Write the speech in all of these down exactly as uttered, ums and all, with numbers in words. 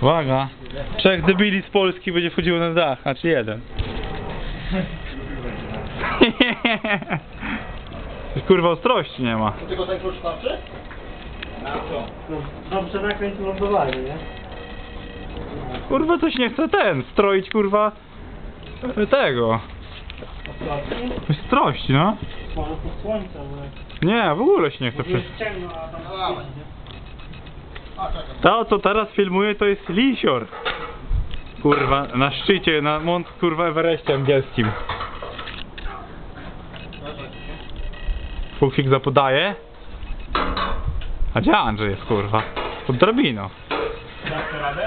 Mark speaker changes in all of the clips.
Speaker 1: Uwaga, trzech debili z Polski będzie wchodziło na dach, a czy jeden? Kurwa, ostrości nie ma.
Speaker 2: To tylko ten klucz starczy? Na co?
Speaker 3: No, dobrze nakręć lądowanie, nie?
Speaker 1: Kurwa, coś nie chce ten, stroić kurwa tego. Ostrości, no.
Speaker 3: Może to słońce, ale...
Speaker 1: Nie, w ogóle się nie chce
Speaker 3: To
Speaker 1: przecież.
Speaker 3: jest ciemno, a tam...
Speaker 2: Dawaj. A, czekaj.
Speaker 1: To, co teraz filmuję, to jest lisior. Kurwa, na szczycie, na mont, kurwa, Everestie angielskim. Fuksik zapodaje. A gdzie Andrzej jest, kurwa? Pod drabiną.
Speaker 3: Dasz radę?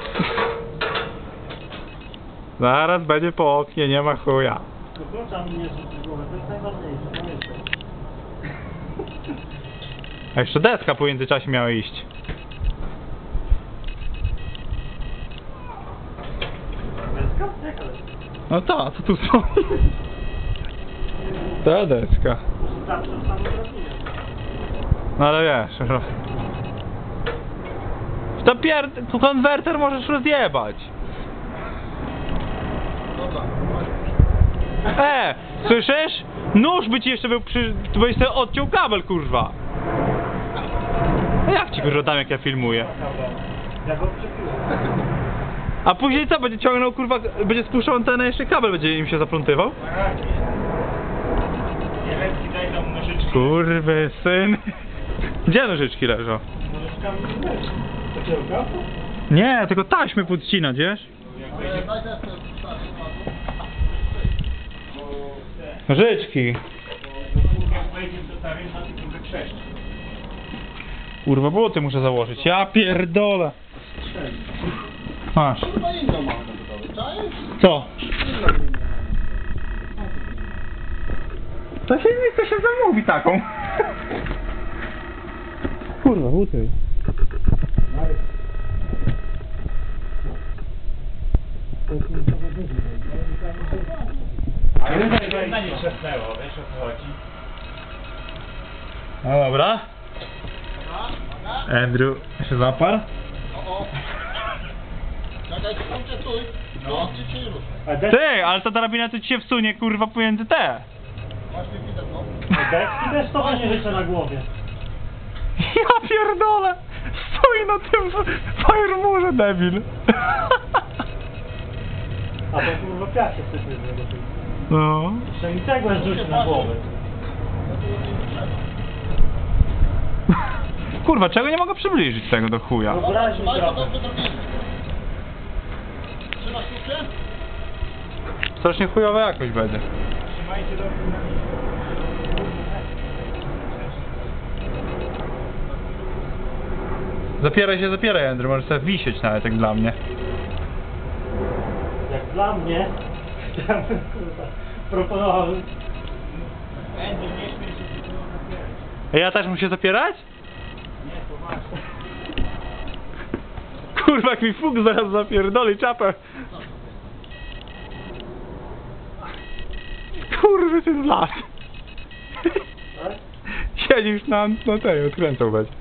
Speaker 1: Zaraz będzie po oknie, nie ma chuja.
Speaker 3: To klucza mi nie rzuci głowę, to jest najważniejsze, pamiętaj.
Speaker 1: A jeszcze deska po międzyczasie miała iść.
Speaker 3: Deska? Jaka deska?
Speaker 1: No ta, co tu stoi? Ta deska.
Speaker 3: Zawsze samą drabinę.
Speaker 1: No ale wiesz, że... To pier... konwerter możesz rozjebać.
Speaker 2: Dobra.
Speaker 1: E, słyszysz? Nóż by ci jeszcze był przy... To byś sobie odciął kabel, kurwa. A jak ci kurwa dam, jak ja filmuję?
Speaker 3: Ja go przepiłem.
Speaker 1: A później co? Będzie ciągnął, kurwa, będzie spuszczał antenę, jeszcze kabel będzie im się zaplątywał?
Speaker 3: Jelenki, daj tam nożyczki.
Speaker 1: Kurwy syn. Gdzie nożyczki leżą?
Speaker 3: Nożyczkami nie leży. Takiego gapu?
Speaker 1: Nie, tylko taśmy podcinać, wiesz?
Speaker 2: E, Daj deskę starszy.
Speaker 1: Nożyczki.
Speaker 3: Jak wejdzie do tarynka, to będzie krzeszcz.
Speaker 1: Kurwa, buty muszę założyć. Ja pierdolę. Masz.
Speaker 2: Chyba inną mamy na budowie. Czaisz?
Speaker 1: Co? To się, to się zamówi taką. Kurwa, buty.
Speaker 3: Ale jedna nie trzasnęło, wiesz o co chodzi?
Speaker 1: No dobra. Andrew się zaparł.
Speaker 2: O, o. Czekaj, stójcie, stój. No. Ci się rusz.
Speaker 3: A deski,
Speaker 1: Ty, ale ta drabina to ci się wsunie, kurwa, pomiędzy te.
Speaker 2: Właśnie widać, no.
Speaker 3: deski też to będzie życzę na głowie.
Speaker 1: Ja pierdolę. Stoi na tym firemurze, debil.
Speaker 3: A to kurwa piach się sypie z niego.
Speaker 1: No.
Speaker 3: Jeszcze mi cegłę rzucić na głowę.
Speaker 1: Kurwa, czego nie mogę przybliżyć tego do chuja?
Speaker 3: Obraźmy
Speaker 2: Trzymaj to
Speaker 3: trochę.
Speaker 2: dobrze drobiny. Trzymasz klucze?
Speaker 1: Strasznie chujowa jakość będzie.
Speaker 3: Trzymajcie do...
Speaker 1: Zapieraj się, zapieraj, Andrew, możesz sobie wisieć nawet, jak dla mnie.
Speaker 3: Jak dla mnie, ja bym kurwa proponował... Będzie nie śmiej się tylko zapierać.
Speaker 1: A ja też muszę zapierać?
Speaker 3: Nie, poważnie.
Speaker 1: Kurwa, jak mi fuk zaraz zapierdoli czapę. Kurwy, ten las.
Speaker 3: Tak?
Speaker 1: Siedzisz na, na tej, odkręcał będzie.